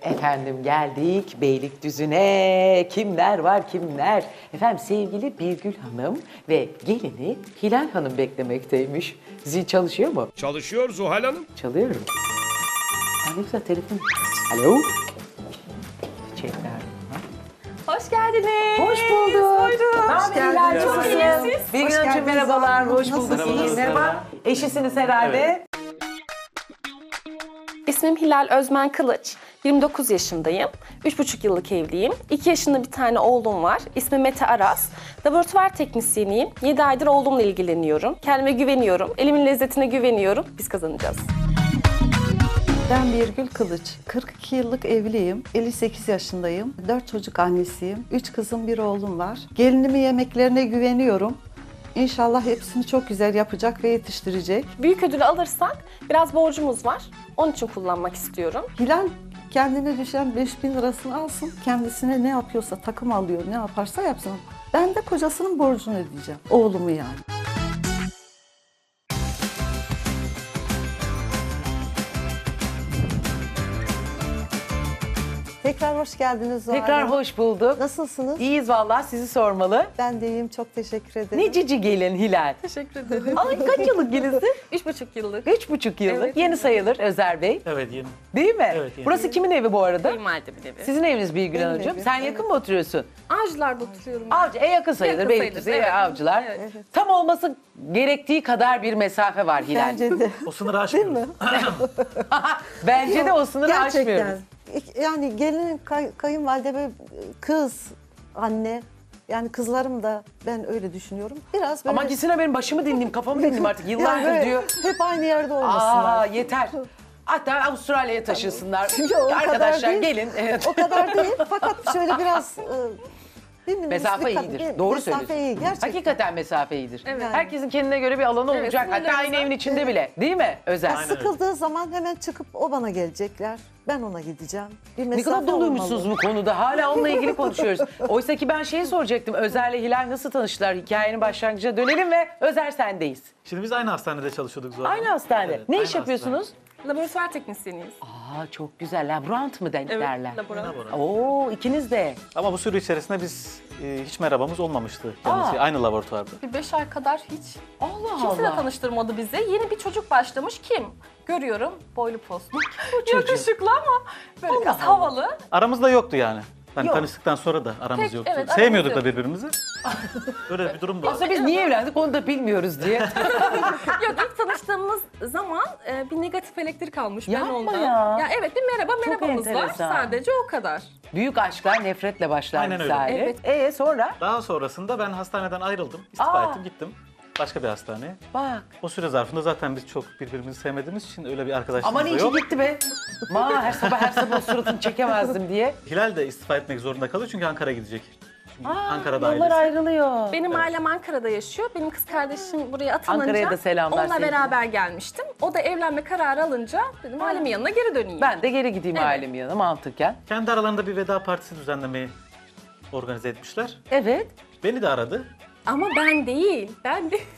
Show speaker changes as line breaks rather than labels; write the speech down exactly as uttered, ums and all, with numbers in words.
Efendim geldik Beylikdüzü'ne. Kimler var kimler? Efendim sevgili Birgül Hanım ve gelini Hilal Hanım beklemekteymiş. Zil çalışıyor mu?
Çalışıyor Zuhal Hanım.
Çalıyorum. Aa, ne güzel telefon. Alo. Çiçekler.
Hoş geldiniz.
Hoş bulduk.
Buyurun.
Hoş geldiniz.
Çok iyi siz.
Birgül Hanımcığım merhabalar. Hoş bulduk. İyi. Merhaba. Eşisiniz herhalde.
İsmim Hilal Özmen Kılıç. yirmi dokuz yaşındayım. üç buçuk yıllık evliyim. iki yaşında bir tane oğlum var. İsmi Mete Aras. Laboratuvar teknisyeniyim. yedi aydır oğlumla ilgileniyorum. Kendime güveniyorum. Elimin lezzetine güveniyorum. Biz kazanacağız.
Ben Birgül Kılıç. kırk iki yıllık evliyim. elli sekiz yaşındayım. dört çocuk annesiyim. üç kızım, bir oğlum var. Gelinimin yemeklerine güveniyorum. İnşallah hepsini çok güzel yapacak ve yetiştirecek.
Büyük ödülü alırsak biraz borcumuz var. Onun için kullanmak istiyorum.
Hilal kendine düşen beş bin lirasını alsın. Kendisine ne yapıyorsa, takım alıyor, ne yaparsa yapsın. Ben de kocasının borcunu ödeyeceğim. Oğlumu yani.
Tekrar hoş geldiniz Zuhal
Tekrar
Hanım.
hoş bulduk.
Nasılsınız?
İyiyiz vallahi sizi sormalı.
Ben de iyiyim, çok teşekkür ederim.
Ne cici gelin Hilal.
Teşekkür ederim.
Ay kaç yıllık gelinsin?
üç buçuk yıllık.
Üç buçuk yıllık.
Evet.
Yeni sayılır Özer Bey.
Evet yeni.
Değil mi?
Evet, yeni.
Burası kimin evi bu arada?
Kayınvalidemin evi.
Sizin eviniz Birgül
Benim
Hanımcığım.
evim,
Sen
evet.
yakın mı oturuyorsun?
Avcılar'da oturuyorum. ben.
Avcı, e yakın sayılır.
Yakın
Beylikdüzü,
sayılır, evet.
avcılar.
Evet.
Tam olması gerektiği kadar bir mesafe var Hilal.
Bence de.
O sınırı aşmıyoruz.
Bence de o sınırı
Gerçekten.
aşmıyoruz.
İk- Yani gelin, kay, kayınvalide ve kız, anne. Yani kızlarım da ben öyle düşünüyorum. Biraz böyle...
Ama gitsin benim başımı dinleyeyim, kafamı dinleyeyim artık.
Yani
Yıllardır
böyle
diyor.
hep aynı yerde
Aa
olmasınlar.
yeter. Hatta Avustralya'ya taşınsınlar.
Yok, o kadar
Arkadaşlar
değil.
gelin. Evet.
O kadar değil. Fakat şöyle biraz... e, değil mi?
Mesafe
Dikkat-
iyidir.
bir-
Doğru
mesafe
söylüyorsun.
iyi gerçekten.
Hakikaten mesafe iyidir.
Evet.
Herkesin kendine göre bir alanı
Evet,
olacak. Hatta aynı
sınırlarımız-
evin içinde bile. Değil mi Özel?
Ya sıkıldığı zaman hemen çıkıp o bana gelecekler. Ben ona gideceğim. Bir
Ne
mesafe
kadar doluymuşsunuz
olmalı.
bu konuda. Hala onunla ilgili konuşuyoruz. Oysa ki ben şeyi soracaktım. Özer'le Hilal nasıl tanıştılar? Hikayenin başlangıcına dönelim ve Özer sendeyiz.
Şimdi biz aynı hastanede çalışıyorduk Zuhal
Aynı
Hanım.
hastane.
Evet,
ne
aynı
iş yapıyorsunuz?
Laboratuvar teknisyeniyiz.
Aa çok güzel. Laborant mı de- derler?
laboratuvar.
hastane.
Oo ikiniz de.
Ama bu süre içerisinde biz e, hiç merhabamız olmamıştı kendisi.
Aa.
Aynı laboratuvarda.
Bir beş ay kadar hiç
Allah
kimse de
Allah.
tanıştırmadı bizi. Yeni bir çocuk başlamış. Kim? Görüyorum boylu poslu.
çocuk?
Yakışıklı ama böyle
Allah
biraz
Allah.
havalı.
Aramızda yoktu yani. Hani
Yok.
tanıştıktan sonra da aramız
Pek,
yoktu.
evet,
Sevmiyorduk
aramız
da birbirimizi. Öyle bir durum da.
Aslında biz niye evlendik onu da bilmiyoruz diye.
Yok ilk tanıştığımız zaman e, bir negatif elektrik almış ben
Yapma
ondan.
ya.
Evet bir merhaba merhabamız var.
enteresan.
Sadece o kadar.
Büyük aşklar nefretle başlar
Aynen öyle.
misali.
Evet.
Ee sonra?
Daha sonrasında ben hastaneden ayrıldım. İstifa
Aa.
ettim gittim. Başka bir hastaneye.
Bak.
O süre zarfında zaten biz çok birbirimizi sevmediğimiz için öyle bir arkadaşlığımız
Aman
da
iyi ki
yok.
gitti be. Ma her sabah her sabah suratını çekemezdim diye.
Hilal de istifa etmek zorunda kalıyor çünkü Ankara'ya gidecek. Çünkü
Aa,
Ankara'da
yollar
ailesi.
ayrılıyor.
Benim ailem Ankara'da yaşıyor. Benim kız kardeşim buraya atanınca
Ankara'ya da selamlar
onunla
sevgiler.
beraber gelmiştim. O da evlenme kararı alınca dedim ailemin yanına geri döneyim.
Ben de geri gideyim
Evet.
ailemin yanına mantıken.
Kendi aralarında bir veda partisi düzenlemeyi organize etmişler.
Evet.
Beni de aradı.
Ama ben değil. Ben de